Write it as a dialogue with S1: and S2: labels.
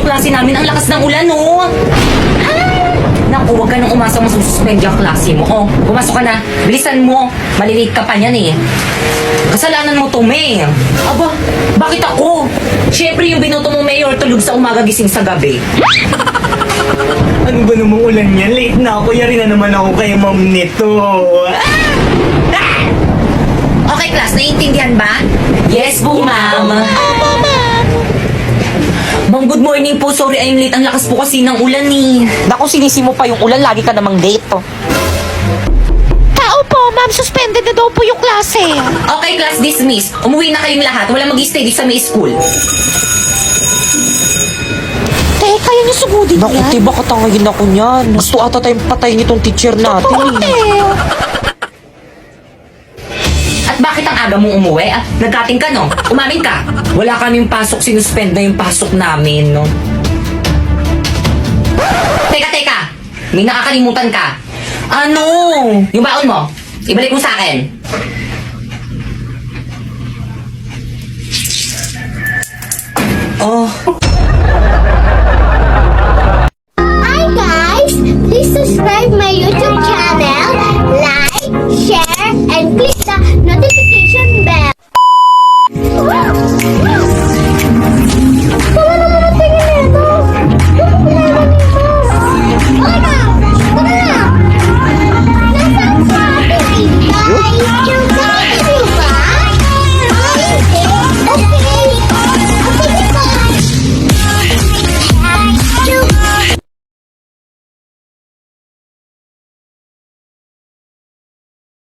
S1: klase namin. Ang lakas ng ulan, oh. Naku, huwag ka nang umasa mo suspend yung klase mo. Oh, pumasok ka na. Bilisan mo. Malilate ka pa niyan eh. Kasalanan mo to, May. Aba, bakit ako? Siyempre yung binoto mo, Mayor, tulog sa umaga gising sa gabi.
S2: Ano ba namang ulan yan? Late na ako. Yari na naman ako kay ma'am nito.
S1: Okay, class, naiintindihan ba? Yes po, ma'am. Ma'am, good morning po. Sorry, I'm late. Ang lakas po kasi ng ulan eh.
S3: Naku, sinisi mo pa yung ulan, lagi ka namang late, oh.
S4: Tao po, ma'am, suspended na daw po yung klase.
S1: Okay, class, dismiss. Umuwi na kayong lahat. Wala mag-stay dito sa may school.
S4: Teka, yan yung sugudin
S3: Naku,
S4: yan.
S3: tiba katangayin ako niyan. Gusto ata tayong patayin itong teacher natin,
S4: Oo,
S3: eh.
S1: At bakit ang aga mong umuwi? Ah, nagkating ka, no? Umamin ka. Wala kaming pasok. Sinuspend na yung pasok namin, no? Teka. May nakakalimutan ka. Ano? Yung baon mo. Ibalik mo sa akin.